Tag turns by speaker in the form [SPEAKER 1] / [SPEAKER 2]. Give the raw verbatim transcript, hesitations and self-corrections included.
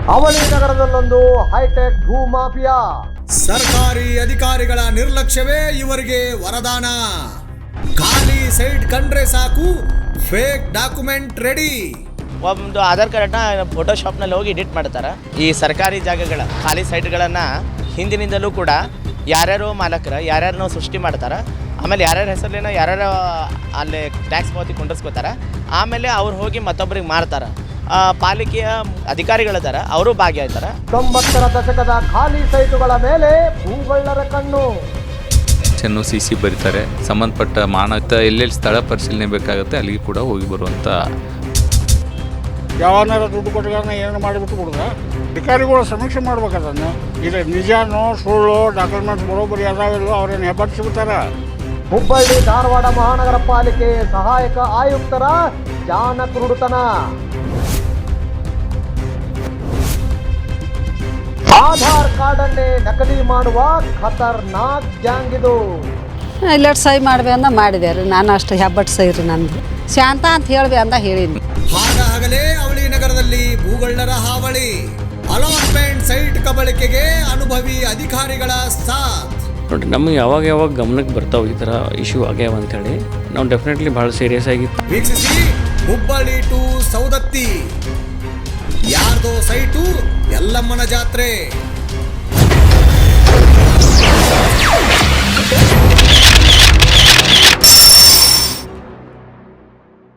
[SPEAKER 1] ಅವಳಿ ನಗರದಲ್ಲೊಂದು ಹೈಟೆಕ್ ಭೂ ಮಾಫಿಯಾ.
[SPEAKER 2] ಸರ್ಕಾರಿ ಅಧಿಕಾರಿಗಳ ನಿರ್ಲಕ್ಷ್ಯವೇ ಇವರಿಗೆ ವರದಾನ. ಖಾಲಿ ಸೈಟ್ ಕಂಡ್ರೆ ಸಾಕು, ಫೇಕ್ ಡಾಕ್ಯುಮೆಂಟ್ ರೆಡಿ.
[SPEAKER 3] ಒಂದು ಆಧಾರ್ ಕಾರ್ಡ್ನ ಫೋಟೋಶಾಪ್ನಲ್ಲಿ ಹೋಗಿ ಎಡಿಟ್ ಮಾಡ್ತಾರೆ. ಈ ಸರ್ಕಾರಿ ಜಾಗಗಳ ಖಾಲಿ ಸೈಟ್ಗಳನ್ನು ಹಿಂದಿನಿಂದಲೂ ಕೂಡ ಯಾರ್ಯಾರು ಮಾಲಕರ ಯಾರ್ಯಾರನ್ನೋ ಸೃಷ್ಟಿ ಮಾಡ್ತಾರೆ. ಆಮೇಲೆ ಯಾರ್ಯಾರ ಹೆಸರಲ್ಲಿನ ಯಾರ್ಯಾರ ಅಲ್ಲಿ ಟ್ಯಾಕ್ಸ್ ಪಾವತಿ ಕೊಂಡಿಸ್ಕೋತಾರೆ. ಆಮೇಲೆ ಅವ್ರು ಹೋಗಿ ಮತ್ತೊಬ್ಬರಿಗೆ ಮಾರ್ತಾರೆ. ಪಾಲಿಕೆಯ ಅಧಿಕಾರಿಗಳಿದ್ದಾರೆ, ಅವರು ಭಾಗಿಯಾಗ್ತಾರೆ.
[SPEAKER 1] ತೊಂಬತ್ತರ ದಶಕದ ಖಾಲಿ ಸೈಟುಗಳ ಮೇಲೆ ಭೂಗಳ್ಳರ ಕಣ್ಣು.
[SPEAKER 4] ಚೆನ್ನು ಸಿ ಸಿ ಬರೀತಾರೆ. ಸಂಬಂಧಪಟ್ಟ ಮಾನಕ ಎಲ್ಲೆಲ್ಲಿ ಸ್ಥಳ ಪರಿಶೀಲನೆ ಬೇಕಾಗುತ್ತೆ ಅಲ್ಲಿಗೆ ಕೂಡ ಹೋಗಿ ಬರುವಂಥ.
[SPEAKER 5] ಯಾವನಾರ ದುಡ್ಡು ಕೊಟ್ಟಗಳನ್ನ ಏನು ಮಾಡಿಬಿಟ್ಟು ಕೊಡುದ ಅಧಿಕಾರಿಗಳು ಸಮೀಕ್ಷೆ ಮಾಡ್ಬೇಕು. ಅದನ್ನು ಇದು ನಿಜಾನೋ ಸುಳ್ಳು ಡಾಕ್ಯುಮೆಂಟ್ಸ್ ಬರೋಬ್ಬರಿ ಅದಾವೆಲ್ಲೋ ಅವ್ರೇನು ಹೆಬ್ಬಟ್ಟಿಸ್ಬಿಡ್ತಾರ.
[SPEAKER 1] ಹುಬ್ಬಳ್ಳಿ ಧಾರವಾಡ ಮಹಾನಗರ ಪಾಲಿಕೆ ಸಹಾಯಕ ಆಯುಕ್ತರ ಜಾನಕೃಡುತನ. ಆಧಾರ್ ಕಾರ್ಡ್ ಅನ್ನೇ ನಕಲಿ ಮಾಡುವ ಖತರ್ನಾಕ್ ಗ್ಯಾಂಗ್ ಇದು.
[SPEAKER 6] ಇಲ್ಲಟ್ ಸಹಿ ಮಾಡ್ಬೇ ಅಂದ ಮಾಡಿದೆ ರೀ. ನಾನು ಅಷ್ಟು ಹೆಬ್ಬಟ್ಟು ಸಹಿ ರೀ ನಂದು. ಶಾಂತ ಅಂತ ಹೇಳ್ಬೇ ಅಂದ ಹೇಳಿನಿ.
[SPEAKER 2] ಹಾಗಾಗಲೇ ಅವಳಿ ನಗರದಲ್ಲಿ ಭೂಗಳ್ಳರ ಹಾವಳಿ. ಅಲಾಟ್ಮೆಂಟ್ ಸೈಟ್ ಕಬಳಿಕೆಗೆ ಅನುಭವಿ ಅಧಿಕಾರಿಗಳ ಸಾಥ್.
[SPEAKER 7] ನೋಡಿ, ನಮಗೆ ಯಾವಾಗ ಯಾವಾಗ ಗಮನಕ್ಕೆ ಬರ್ತಾವೆ ಈ ಥರ ಇಶ್ಯೂ ಆಗ್ಯಾವ ಅಂತೇಳಿ ನಾವು ಡೆಫಿನೆಟ್ಲಿ ಭಾಳ ಸೀರಿಯಸ್ ಆಗಿ
[SPEAKER 2] ವೀಕ್ಷಿಸಿ. ಹುಬ್ಬಳ್ಳಿ ಟು ಸೌದತ್ತಿ, ಯಾರ್ದೋ ಸೈಟು ಎಲ್ಲಮ್ಮನ ಜಾತ್ರೆ.